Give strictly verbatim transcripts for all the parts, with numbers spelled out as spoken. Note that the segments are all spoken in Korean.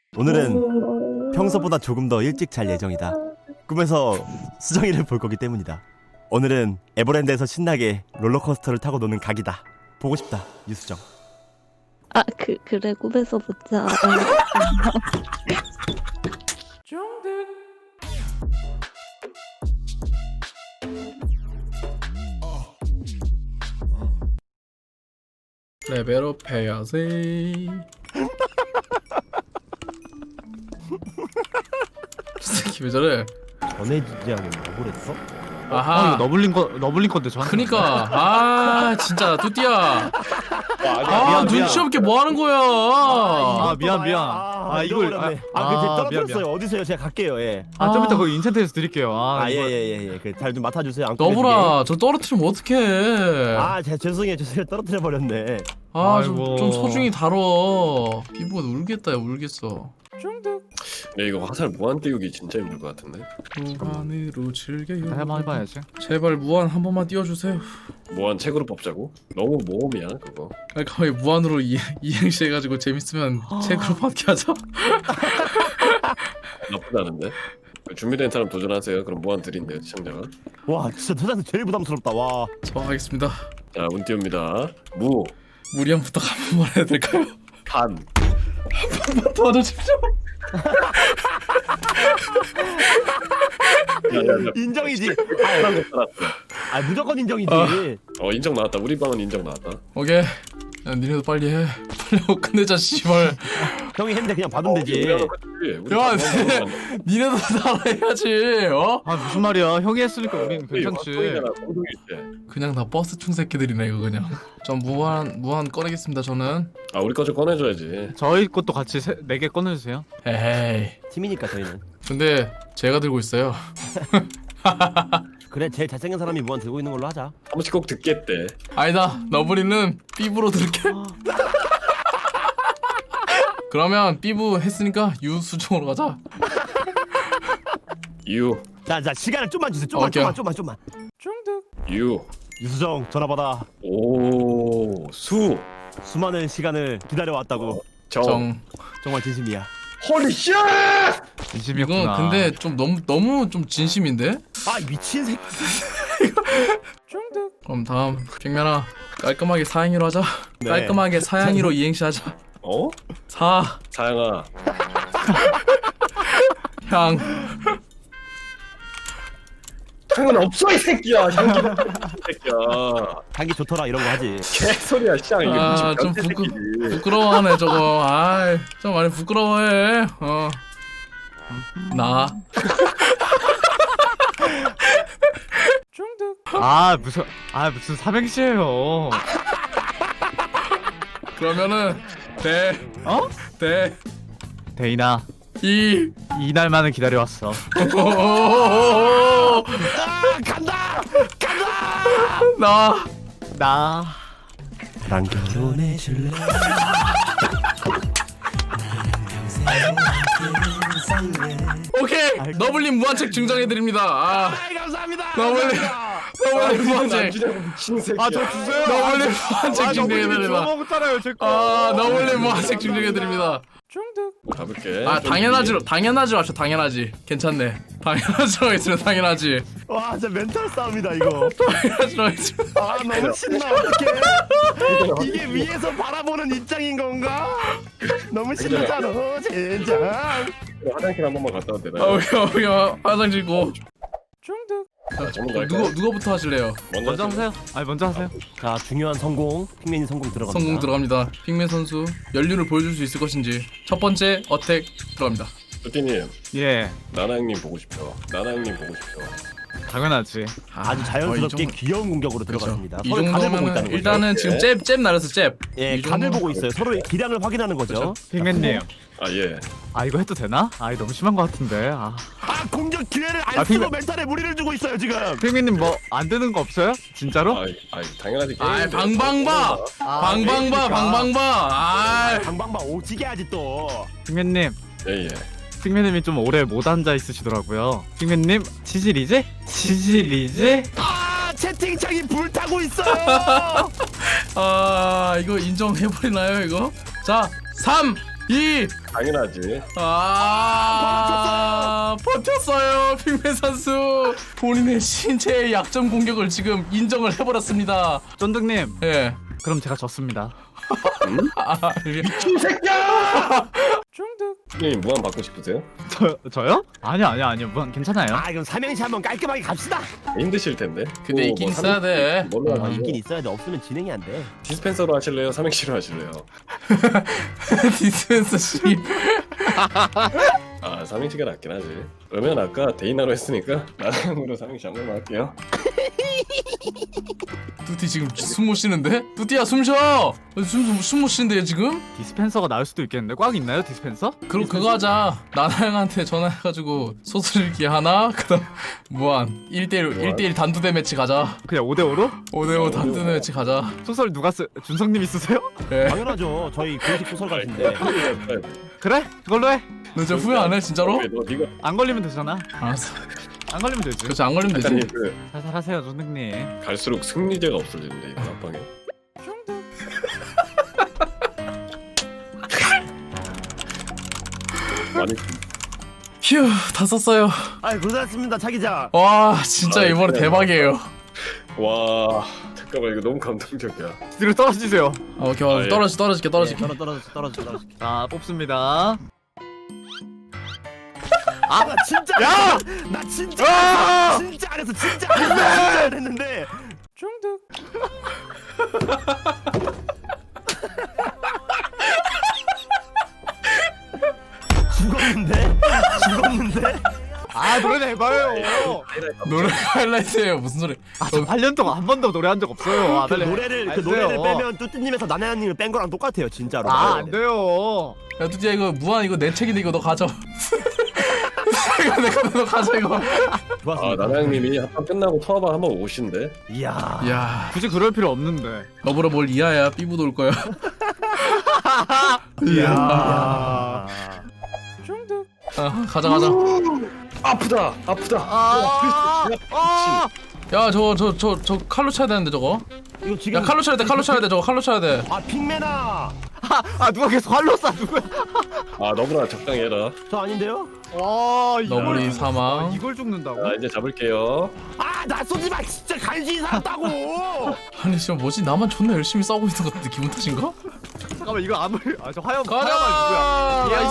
오늘은 평소보다 조금 더 일찍 잘 예정이다. 꿈에서 수정이를 볼 거기 때문이다. 오늘은 에버랜드에서 신나게 롤러코스터를 타고 노는 각이다. 보고 싶다, 유수정. 아, 그, 그래, 꿈에서 보자. 레벨업 해야지. 새끼 왜 저래? 전해지지하게 뭐 그랬어? 아하. 아, 이거 너블린 거 너블린 건데 저한테. 그니까 아 진짜 뚜띠야. 아 미안, 눈치 미안. 없게 뭐 하는 거야? 아, 미안, 미안. 아, 아, 이걸 이걸- 아, 아, 아, 그 아, 떨어뜨렸어요. 미안, 어디서요? 제가 갈게요. 예. 아, 좀 아. 이따 거기 인챈트에서 드릴게요. 아, 아, 예, 이거- 예, 예, 예. 그 잘 좀 맡아주세요. 안 너브라 저 떨어뜨리면 어떡해? 아, 제 죄송해요. 죄송해요. 떨어뜨려 버렸네. 아좀 아이고. 좀 소중히 다뤄. 피부가 울겠다, 야, 울겠어. 야 이거 화살 무한 띄우기 진짜 힘들 것 같은데. 무한으로 즐겨요. 한번 해봐야지. 제발 무한 한 번만 띄워주세요. 무한 책으로 뽑자고? 너무 모험이야 그거. 아니 거의 무한으로 이, 이행시 해가지고 재밌으면 책으로 받게 하자. 나쁘지 않은데. 준비된 사람 도전하세요. 그럼 무한 드린대요 시청자가. 와, 진짜 세상에서 제일 부담스럽다. 와. 저 하겠습니다. 자 운 띄웁니다. 무, 무리한 부탁 한 번만 해야 될까요? 판. 도와주십시오. 인정이지. 한 거 살았어. 아, 무조건 인정이지. 아. 어 인정 나왔다. 우리 방은 인정 나왔다. 오케이. 야, 니네도 빨리 해. 빨리 하고 끝내자 씨발. 형이 했는데 그냥 받으면 우리 되지. 하는 거지. 우리 야, 방은 네. 방은 니네도 살아야지. 어? 아, 무슨 말이야? 형이 했으니까 우린 우리 괜찮지. 방송이잖아, 방송일 때. 그냥 다 버스 충 새끼들이네 이거 그냥. 전 무한 무한 꺼내겠습니다 저는. 아 우리 거 좀 꺼내줘야지. 저희 것도 같이 네 개 꺼내주세요. 에이. 팀이니까 저희는. 근데 제가 들고 있어요. 그래, 제일 잘생긴 사람이 무한 들고 있는 걸로 하자. 한 번씩 꼭 듣겠대. 아니다. 너브리는 삐부로 들게. 그러면 삐부 했으니까 유수정으로 가자. 유, 자, 자, 시간을 좀만 주세요. 좀만, 오케이. 좀만, 좀만, 좀만. 유, 유수정, 전화 받아. 오, 수, 수많은 시간을 기다려왔다고. 정. 정. 정말 진심이야. 홀리 쉣! 진심이었구나. 이건 근데 좀 너무 너무 좀 진심인데? 아, 미친 새끼. 그럼 다음 빅면아 깔끔하게 사양이로 하자. 네. 깔끔하게 사양이로 이행시 하자. 어? 사, 사양아. 향. 향은 없어 이 새끼야. 향기 이 새끼야. 향기 좋더라 이런 거 하지. 개소리야 시장 이게 아, 무슨 좀 변태 부끄- 새끼지. 부끄러워하네 저거. 아이, 좀 많이 부끄러워해. 어. 나. 아, 무슨 아, 무슨 삼행시예요. 그러면은 대, 어? 대, 데이나, 이. 이날만을 기다려왔어. 오호호호호호. 아, 간다! 나. 나 나랑 결혼해 줄래? 오케이. 너블린 무한책 증정해드립니다. 아, 아, 감사합니다. 너블린. 너블린 무한책. 미친 새끼야. 아, 저 주세요. 너블린 무한책 증정해드립니다. 먹었잖아요, 제 거. 아, 너블린 무한책 증정해드립니다. 가볼게. 아, 좀 당연하지로 당연하지로 합시다. 당연하지. 괜찮네. 당연하지로 있으면 당연하지. 와, 진짜 멘탈 싸움이다 이거. 당연하지로 있으면. 아, 너무 신나. 어떡해. 이게 위에서 바라보는 입장인 건가? 너무 신나잖아. 젠장. 위에 화장실 한 번만 갔다 와도 아, 되나요? 여기 여기 화장실 고. 자, 전문 갈까요? 누구 누구부터 하실래요? 먼저 하세요. 아니, 먼저 하세요. 자, 중요한 성공. 핑맨이 성공 들어갑니다. 성공 들어갑니다. 핑맨 선수 연륜을 보여줄 수 있을 것인지 첫 번째 어택 들어갑니다. 뚜띠님, 예, 나나 형님 보고 싶죠. 나나 형님 보고 싶죠. 당연하지. 아주 어, 자연스럽게 이 정도- 귀여운 공격으로 그렇죠. 들어갔습니다. 이 서로 각을 보고 정도면 있다는 거죠. 일단은 지금 예. 잽잽 날았어 잽. 예, 이 각을 정도- 보고 있어요. 서로의 기량을 확인하는 거죠. 그렇죠. 핑맨님. 아 예. 아, 이거 해도 되나? 아, 이거 너무 심한 것 같은데. 아, 아, 공격 기회를 안 아, 쓰고 핑맨- 멘탈에 무리를 주고 있어요 지금. 핑맨님 뭐 안 되는 거 없어요? 진짜로? 아, 아 당연하지. 아, 게임인데. 방방바. 아, 방방바 방방바. 아, 방방바 오지게 하지 또. 핑맨님. 예 예. 핑맨님이 좀 오래 못 앉아 있으시더라고요. 핑맨님, 치질이지? 치질이지? 아, 채팅창이 불타고 있어요. 아 이거 인정해버리나요 이거? 자, 삼, 이. 당연하지. 아, 버텼어요. 핑맨 선수. 본인의 신체의 약점 공격을 지금 인정을 해버렸습니다. 쫀득님, 예. 그럼 제가 졌습니다. 아, 이게- 형님 무한 받고 싶으세요? 저 저요? 아니요 아니요 아니요 무한 괜찮아요. 아 그럼 삼행시 한번 깔끔하게 갑시다. 힘드실 텐데. 근데 또 있긴 뭐 있어야 돼. 뭘로 어, 하세요? 있긴 있어야 돼. 없으면 진행이 안 돼. 디스펜서로 하실래요? 삼행시로 하실래요? 디스펜서 씨. 아 삼행시가 낫긴 하지. 그러면 아까 데이나로 했으니까 나랑으로 삼행시 한 번만 할게요. 뚜띠 지금 숨 못 쉬는데? 뚜띠야 숨 쉬어. 숨숨 못 쉬는데 지금? 디스펜서가 나올 수도 있겠는데 꽉 있나요 디스펜서? 그럼 그거 하자. 나나양한테 전화해가지고 소스일기 하나, 그다음 무한 일 대일 무한? 일 대일 단두대 매치 가자. 그냥 오 대 오로? 오대오 단두대 매치 가자. 소설 누가 쓰? 준성님이 쓰세요? 예. 당연하죠. 저희 공식 소설 같은데. 그래? 그걸로 해. 너 진짜 후회 안 해 진짜로? 너 네가 안 걸리면 되잖아. 알았어. 안 걸리면 되지. 그렇지 안 걸리면 되지. 약간 그 살살 하세요 쫀득님. 갈수록 승리제가 없어지는데 이거 앞방에. 많이 휴, 다 썼어요. 아 고생하셨습니다 차기자. 와, 진짜 아, 이번에 그래. 대박이에요. 와 잠깐만 이거 너무 감동적이야. 뒤로 떨어지세요. 아, 오케이, 아, 예. 떨어지 떨어질게 떨어질게. 떨어 떨어져 떨어져 떨어져. 자 뽑습니다. 아 나 진짜. 야! 나 진짜. 아! 진짜 안 했어. 진짜 안 했어. 진짜 안 했는데. 중득. 죽었는데? 죽었는데? 아 노래 해봐요. 노래 하이라이트예요. 무슨 소리? 아저 팔 년 동안 한 번도 노래한 적 없어요. 아, 그 빨리 해. 노래를 그 안 노래를 돼요. 빼면 뚜띠님에서 나나양님을 뺀 거랑 똑같아요 진짜로. 아, 안 돼요. 야, 뚜띠야 이거 무한 이거 내 책인데 이거 너 가져. 이거 내 거 너 가져 이거. 아 좋았습니다. 나나양님이 한판 끝나고 터방 한번 오신대. 이야. 야, 굳이 그럴 필요 없는데. 너보라 뭘 이하야? 삐부도 올 거야. 이야. 아, 가자 가자. 아프다 아프다. 아, 아, 야, 저거 저 저 저 칼로 쳐야 되는데 저거. 이거 지금 야, 칼로 쳐야 돼. 칼로 쳐야 돼. 저거 칼로 쳐야 돼. 아 핑맨아. 아 누가 계속 활로 쏴 누구야? 아 너구나 적당히 해라. 저 아닌데요? 아, 이걸 너구리 죽- 사망. 아, 이걸 죽는다고? 자 이제 잡을게요. 아 나 쏘지 마 진짜 간신히 살았다고. 아니 진짜 뭐지? 나만 존나 열심히 싸우고 있는 것 같은데 기분 탓인가? 잠깐만 이거 아무 아저 화염 가자! 화염아 누구야?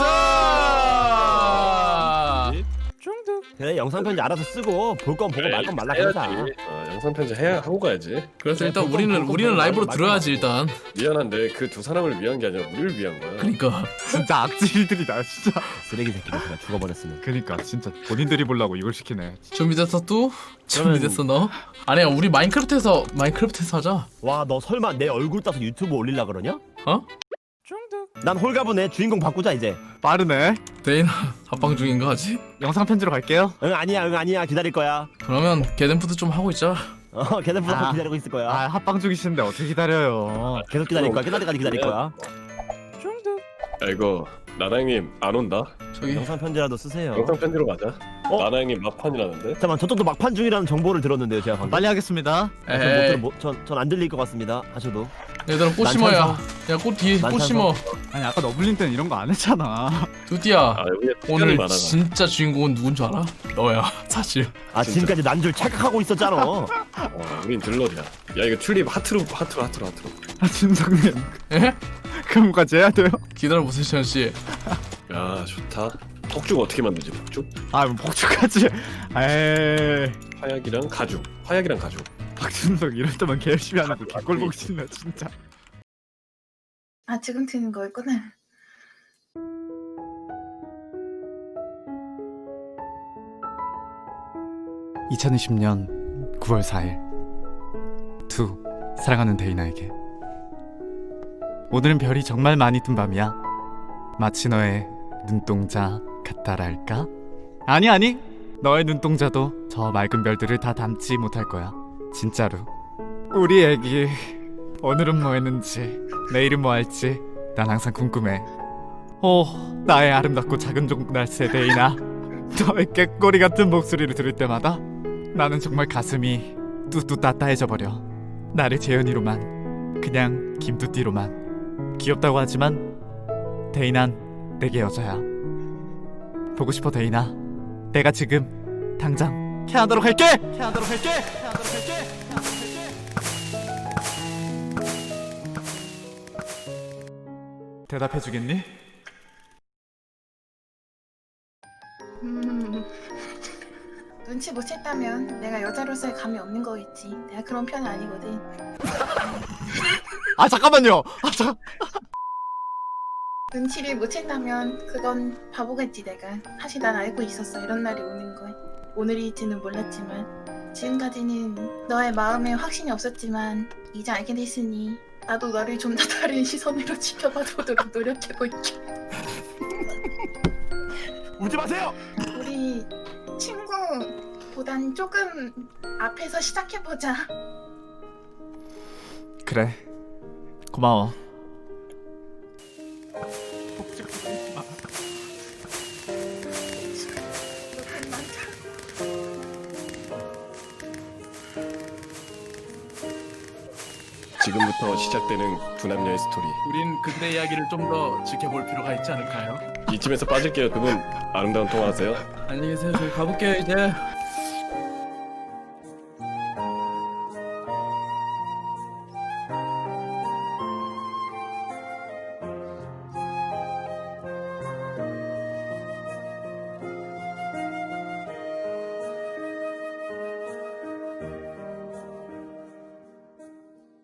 나이스! 중득. 그래 영상 편지 알아서 쓰고 볼 건 보고 말 건 말라 그러자. 해야지. 어, 영상 편지 해야 하고 가야지. 그래서 일단 볼건 우리는 볼건 우리는 볼건 라이브로 말건 들어야지 말건. 일단. 미안한데 그 두 사람을 위한 게 아니라 우리를 위한 거야. 그러니까 진짜 악질들이다 진짜. 쓰레기 새끼들 그냥 죽어버렸으면. 그니까 진짜 본인들이 보려고 이걸 시키네. 준비됐어 또? 그러면- 준비됐어 너? 아니야 우리 마인크래프트에서 마인크래프트에서 하자. 와 너 설마 내 얼굴 따서 유튜브 올릴라 그러냐? 어? 중득. 난 홀가분해. 주인공 바꾸자 이제. 빠르네. 데이나 합방 중인가 하지? 영상 편지로 갈게요. 응 아니야 응 아니야 기다릴 거야. 그러면 게덴푸드 좀 하고 있자. 어 계속 부탁 아. 기다리고 있을 거야. 아 합방 중이신데 어떻게 기다려요? 계속 기다릴 거야. 기다리까지 기다릴 거야. 중득. 야 이거 나나양님 안 온다. 저기 영상 편지라도 쓰세요. 영상 편지로 가자. 어? 나나양님 막판이라는데. 잠깐만 저쪽도 막판 중이라는 정보를 들었는데요 제가 방금. 빨리 하겠습니다. 에이 전못 안 들릴 것 같습니다. 하셔도. 얘들아 꽃 심어야. 야 꽃 뒤에 꽃 난찬성. 심어. 아니 아까 너블린 때는 이런 거 안 했잖아. 두띠야 아 여기 오늘 많아. 진짜 주인공은 누군 줄 알아? 너야 사실. 아 진짜. 지금까지 난 줄 착각하고 있었잖아. 어, 우린 들러리야. 야 이거 튤립 하트로 하트로 하트로 하트로. 아 준성님 에? 그럼까지 해야 돼요? 기다려보세요 시현 씨. 야 좋다. 폭죽 어떻게 만들지 폭죽? 아 뭐 폭죽하지. 에이 화약이랑 가죽. 화약이랑 가죽. 박준성 이럴 때만 개 열심히 하는 거 개꼴 보기 싫네 진짜. 아 지금 트는 거였구나. 이천이십 년 구월 사일 투 사랑하는 데이나에게 오늘은 별이 정말 많이 뜬 밤이야. 마치 너의 눈동자 같다랄까? 아니 아니 너의 눈동자도 저 맑은 별들을 다 담지 못할 거야 진짜로. 우리 애기 오늘은 뭐 했는지 내일은 뭐 할지 난 항상 궁금해. 오 나의 아름답고 작은 종날새 데이나 너의 깨꼬리 같은 목소리를 들을 때마다 나는 정말 가슴이 뚜뚜 따따해져 버려. 나를 재현이로만 그냥 김뚜띠로만 귀엽다고 하지만 데이난 내게 여자야. 보고 싶어 데이나. 내가 지금 당장 태하도록 할게. 태하도록 할게. 태하도록 할게. 대답해 주겠니? 음... 눈치 못 챘다면 내가 여자로서의 감이 없는 거겠지. 내가 그런 편은 아니거든. 아 잠깐만요. 아 잠. 눈치를 못 챘다면 그건 바보겠지 내가. 사실 난 알고 있었어. 이런 날이 오는 걸. 오늘일지는 몰랐지만 지금까지는 너의 마음에 확신이 없었지만 이제 알게 됐으니 나도 너를 좀 더 다른 시선으로 지켜봐보도록 노력해볼게. 울지 마세요. 우리 친구보단 조금 앞에서 시작해보자. 그래. 고마워. 너무 많다. 지금부터 시작되는 두 남녀의 스토리. 우린 그들의 이야기를 좀 더 지켜볼 필요가 있지 않을까요? 이쯤에서 빠질게요. 두 분 아름다운 통화하세요. 안녕히 계세요. 저희 가볼게요 이제.